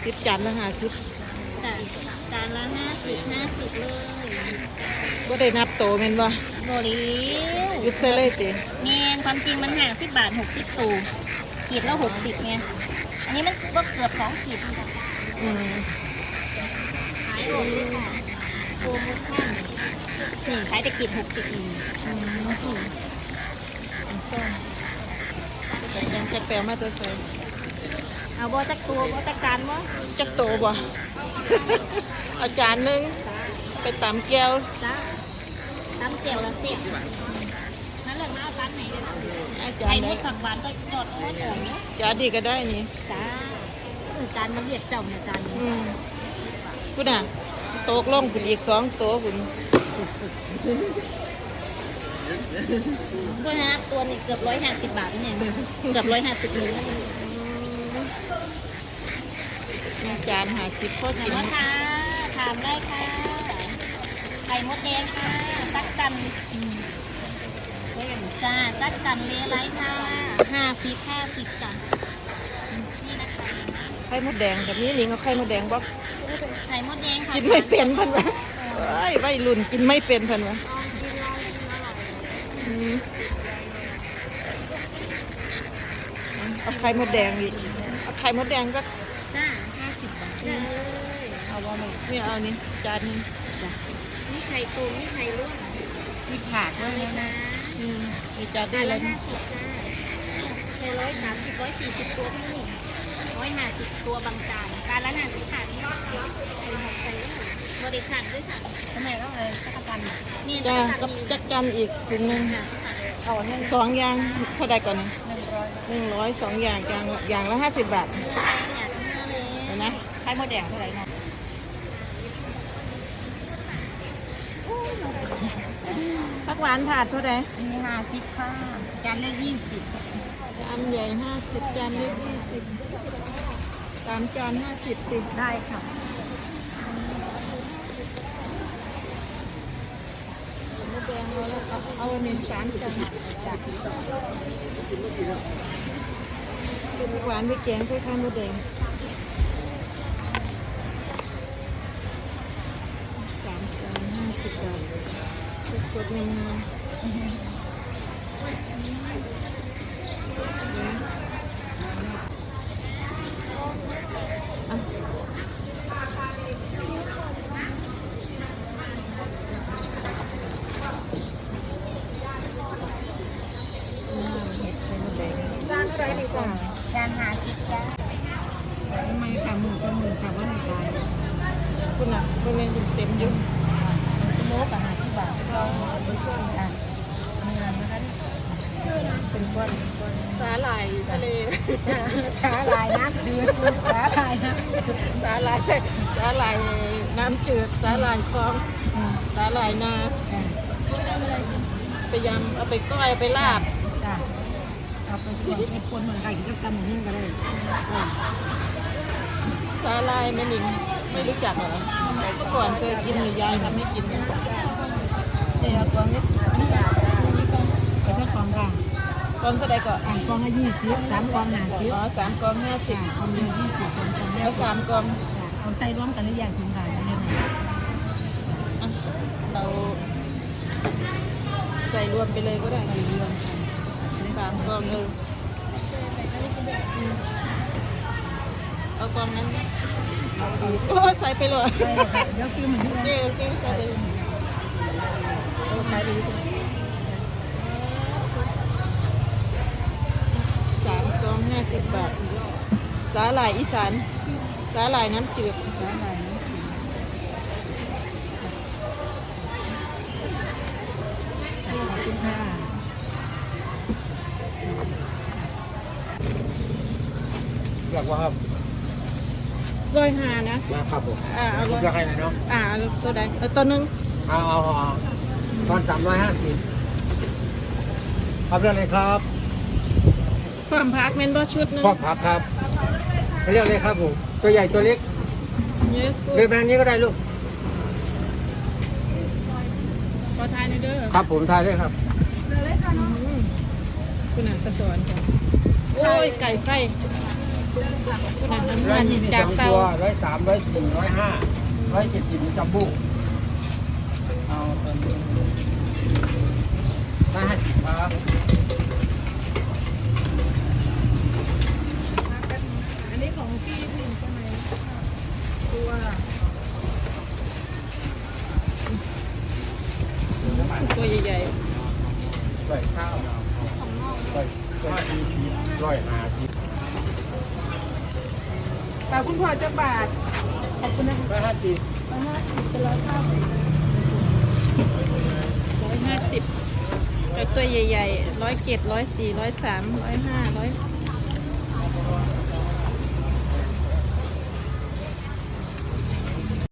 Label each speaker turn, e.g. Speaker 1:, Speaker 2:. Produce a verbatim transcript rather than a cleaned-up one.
Speaker 1: สิบจานละห้าสิบ
Speaker 2: จ้ะจานละห้าสิบห้าสิบเลย
Speaker 1: ก็ได้นับโตแม่นบ่
Speaker 2: โบริว
Speaker 1: ยุดใส่เลยติ
Speaker 2: เมนความจริงมันห่างสิบบาทหกสิบตูขีดละหกสิบไงอันนี้มันก็เกือบสองขีด
Speaker 1: อืม
Speaker 2: ขายออกด้วยค่ะโปรโมชั่นนี่ขายแต่ขีดหกสิบอืม
Speaker 1: อืมส้มแต่ยังจะแปลมาตัวใส่
Speaker 2: เอาบ่จักตัวบ่จักจานบ่
Speaker 1: จักโตบ่ อาจารย์นึงไปตามแก้ว
Speaker 2: จ้าน้ำเจียวละเสียนั่นเลยมาเอาจานไหนเลยนะ
Speaker 1: อาจารย์
Speaker 2: ไข่มดผักหวานก็จอดอ้อนอ่อนเนาะ
Speaker 1: จานดีก็ได้นี่
Speaker 2: จ้าจานมันเรียกเจ้าเนี่ยจานนี้
Speaker 1: คุณน่ะโต๊ะล่องคุณอีกสองโต๊ะคุณ
Speaker 2: ตัวนะตัวนี้เกือบร้อยห้าสิบบาทเนี่ยเกือบร้อยห้าสิบนิ้ว
Speaker 1: จานห้าสิบพอกิน
Speaker 2: ค่ะถามได้ค่ะไข่มดแดงค่ะตักกันจ้าตักกันเลไรค่ะห้าสิบห้าสิบจ้ะนี่นะคะ
Speaker 1: ไข่มดแดงแบบนี้ลิงเอาไข่มดแดงบอก
Speaker 2: ไข่มดแดงค่ะ
Speaker 1: กินไม่เป็นพันวะไอ้ใบรุ่นกินไม่เป็นพันวะเอาไข่มดแดงอีกเอาไข่มดแดงก็
Speaker 2: จ้าห้าสิบบาท
Speaker 1: เอาว่าไม่นี่เอานี่จานนึง
Speaker 2: จ้ะนี่ไข่ตูมนี่ไข่ร่วง
Speaker 1: มีผักด้วยนะอืมมีจานได้เลย
Speaker 2: ห้าสิบจ้าในร้อยสามสิบร้อยสี่สิบตัวพี่ร้อยห้าสิบตัวบางจานจานละห้าสิบขาดนี่ใส่หมดใส่เลยบริการด้วยค่ะทำไมต้องเลยจักรจันนี่
Speaker 1: จ้ากับจักรจันอีกถุงนึงเอาสองอย่างเท่าใดก่อนนะหนึ่งร้อยสองอย่างอย่างอย่างละห้าสิบบาทเห็นไหม
Speaker 2: ไข่มดแดงเท่าไหร่นะ
Speaker 1: ผักหวานถาดเท่าไหร่
Speaker 2: มีห้าสิบค่ะจานละยี่สิบ
Speaker 1: จานใหญ่ห้าสิบจานเล็กยี่สิบสามจานห้าสิบติด
Speaker 2: ได้ค่ะ
Speaker 1: มดแดงเอาแล้วเอาอันนี้สามจานจากผักหวานไปแกงใส่ข้าวมดแดงสามจานห้าสิบบาทสดๆงามจานอะไรดีกว่า
Speaker 2: จานหาสิบจ้า
Speaker 1: ทำไมขาหมูกับหมูขาว่าหนึ่งตายคุณอ่ะคุณเงินคุณเต็มยุ่ง
Speaker 2: โลกับหาสิบบาทเราเป็นส่วนอ่ะมีอะไรนะคะ
Speaker 1: เป็นก้อนสาหร่ายทะเล
Speaker 2: สาหร่ายน้ำจืดสาหร่ายนะ
Speaker 1: สาหร่ายใช่สาหร่ายน้ำจืดสาหร่ายคลองสาหร่ายนาไปยำเอาไปก้อยไปลาบ
Speaker 2: เอาไปส่วนให้คนเหมือนไก่ที่กำมือก็ได้
Speaker 1: สาหร่ายแม่นิงไม่รู้จักเหรอเมื่อก่อนเคยกินหรือยายทำให้กินเ
Speaker 2: ดี๋ยวตัวนี้
Speaker 1: เป็นแค่กองกลางกองเท่าไรก็
Speaker 2: อ่างกองละยี่สิบสามกองห้าสิบ
Speaker 1: อ๋อสามกองห้าสิบ
Speaker 2: กองเดียวยี่สิบสองกอง
Speaker 1: แล้วสามกอง
Speaker 2: เอาใส่ร่วมกันหรือยังคุณขายกันยังไง
Speaker 1: เราใส่รวมไปเลยก็ได้รวมสามกองเออเอากองนั้นโอ้ใส่ไปเลย
Speaker 2: เดี๋ยวคือเหมือน
Speaker 1: เจ๊โอเคใส่ไปสามกองห้าสิบบาทสาหร่ายอีสานสาหร่ายน้ำจืดสาหร่ายน้ำจืด
Speaker 3: อยากว่าครับ
Speaker 1: ร้อยห้านะ
Speaker 3: นะครับผม
Speaker 1: อ่าเอา
Speaker 3: อยากให้ไหนเนาะ
Speaker 1: อ่าตัวใดเออตัวนึง
Speaker 3: เอาเอาเอาตอนสามร้อยห้าสิบครับเรื่องอะไรครับ
Speaker 1: ความพักเมนบอชุดนึง
Speaker 3: ความพักครับเรื่องอะไรครับผมตัวใหญ่ตัวเล็กเลือกแบรนด์นี้ก็ได้ลูก
Speaker 1: ขอทายหน่อยเด้อ
Speaker 3: ครับผมทายได้ครับ
Speaker 1: คุณอ่านกระสอนค่ะโอ้ยไก่ไฟคุณอาหาร
Speaker 3: ร้อย
Speaker 1: มัน
Speaker 3: ยี่สิบ
Speaker 1: จาก
Speaker 3: สอง
Speaker 1: เตา
Speaker 3: ตัวร้อยสามร้อยสี่ร้อยห้าร้อยเจ็ดสิบจัมโบ้เอาตอนนี้ร้อยห้าสิบครับ
Speaker 1: อันนี้ของพี่พิมใช่ไหมตัวตัวใหญ่
Speaker 3: ร้อยข้าวร้อยร้อยสี่สิบร้อยห้าสิบ
Speaker 1: ๆแต่คุณพ่อจะบาทขอบคุณนะคะ
Speaker 3: ร้อยห้าสิบ
Speaker 1: ร้อยห้าสิบเป็นร้อยห้าสิบร้อยห้าสิบจากตัวใหญ่ๆร้อยเจ็ดร้อยสี่ร้อยสามร้อยห้าร้อย